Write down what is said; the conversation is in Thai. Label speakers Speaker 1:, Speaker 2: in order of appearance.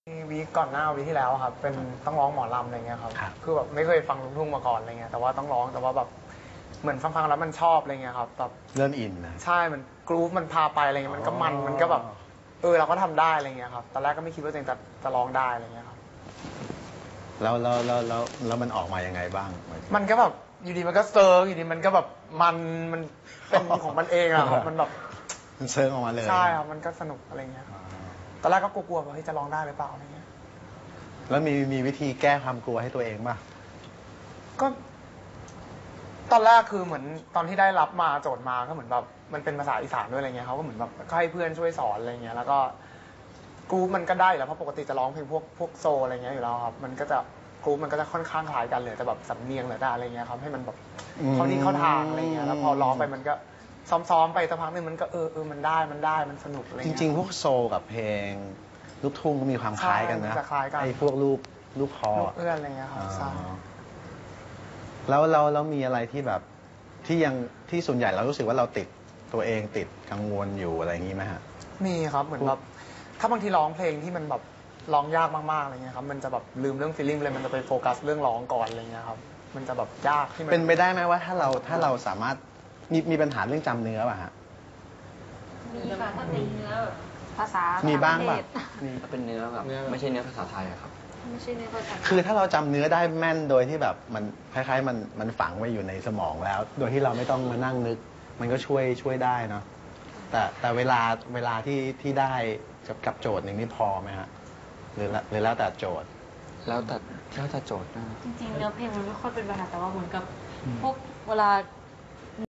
Speaker 1: วีคก่อนหน้าวีคที่แล้วครับเป็นต้องร้องหมอลำอะไรเงี้ยครับ
Speaker 2: ครับ
Speaker 1: คือแบบไม่เคยฟังลูกทุ่งมาก่อนอะไรเงี้ยแต่ว่าต้องร้องแต่ว่าแบบเหมือนฟังๆแล้วมันชอบอะไรเงี้ยครับแบบ
Speaker 2: เริ่มอินนะ
Speaker 1: ใช่มันกรูฟมันพาไปอะไรเงี้ยมันก็มันก็แบบเราก็ทำได้อะไรเงี้ยครับตอนแรกก็ไม่คิดว่าตัวเองจะร้องได้อะไรเงี้ยครับ
Speaker 2: แล้วมันออกมายังไงบ้าง
Speaker 1: มันก็แบบอยู่ดีมันก็เซิร์ฟอยู่ดีมันก็แบบมันเป็นของมันเองอะครับมันแบบ
Speaker 2: มันเซิร์งออกมาเลย
Speaker 1: ใช่ครับมันก็สนุกอะไรเงี้ยครับตอนแรกก็กลัวๆว่าเฮ้ยจะร้องได้หรือเปล่าอะไรเงี้ย
Speaker 2: แล้วมีวิธีแก้ความกลัวให้ตัวเองป่ะ
Speaker 1: ก็ตอนแรกคือเหมือนตอนที่ได้รับมาโจทย์มาก็เหมือนแบบมันเป็นภาษาอีสานด้วยอะไรเงี้ยเขาก็เหมือนแบบก็ให้เพื่อนช่วยสอนอะไรเงี้ยแล้วก็กรุ๊ปมันก็ได้อยู่แล้วเพราะปกติจะร้องเพลงพวกโซอะไรเงี้ยอยู่แล้วครับมันก็จะกรุ๊ปมันก็จะค่อนข้างคล้ายกันเลยแต่แบบสำเนียงหรือแต่อะไรเงี้ยครับให้มันแบบเข้าที่เข้าทางอะไรเงี้ยแล้วพอร้องไปมันก็ซ้อมๆไปสักพักหนึงมันก็มันได้มันสนุกอะไร
Speaker 2: จ
Speaker 1: เงี้ย
Speaker 2: ริงๆ พวกโซลกับเพลงลูกทุ่งก็มีความคล้ายกันนะ
Speaker 1: ใช่จะคล้ายกัน
Speaker 2: ไอ้พวกลูกคอ
Speaker 1: ลูกเอื้อนอะไรเงี้ยครับใช่
Speaker 2: แล้วมีอะไรที่แบบที่ส่วนใหญ่เรารู้สึกว่าเราติดตัวเองติดกังวลอยู่อะไรอย่างนี้ไหมฮะ
Speaker 1: มีครับเหมือนแบบถ้าบางทีร้องเพลงที่มันแบบร้องยากมากๆอะไรเงี้ยครับมันจะแบบลืมเรื่องฟีลลิ่งเลยมันจะไปโฟกัสเรื่องร้องก่อนอะไรเงี้ยครับมันจะแบบยากที่มัน
Speaker 2: เป็นไปได้ไหมว่าถ้าเราสามารถมีปัญหาเรื่องจำเนื้อป่ะฮะ
Speaker 3: มีค่ะถ้าเป็นเนื้อภาษา
Speaker 2: มี
Speaker 3: มี
Speaker 2: บ้างป่ะ
Speaker 4: ถ้าเป็นเนื้อแบบไม่ใช่เนื้อภาษาไทยอะครับ
Speaker 3: ไม่ใช่เนื้อภาษา
Speaker 2: คือถ้าเราจำเนื้อได้แม่นโดยที่แบบมันคล้ายๆมันฝังไว้อยู่ในสมองแล้ว โดยที่เราไม่ต้องมานั่งนึก มันก็ช่วยได้เนาะแต่เวลาที่ได้กับโจทย์หนึ่งนี่พอไหมฮะหรือแล้วแต่โจทย์
Speaker 4: แล้วแต่โจทย์นะ
Speaker 3: จริงๆเนื้อเพลงมันไม่ค่อยเป็นปัญหาแต่ว่าเหมือนกับพวกเวลา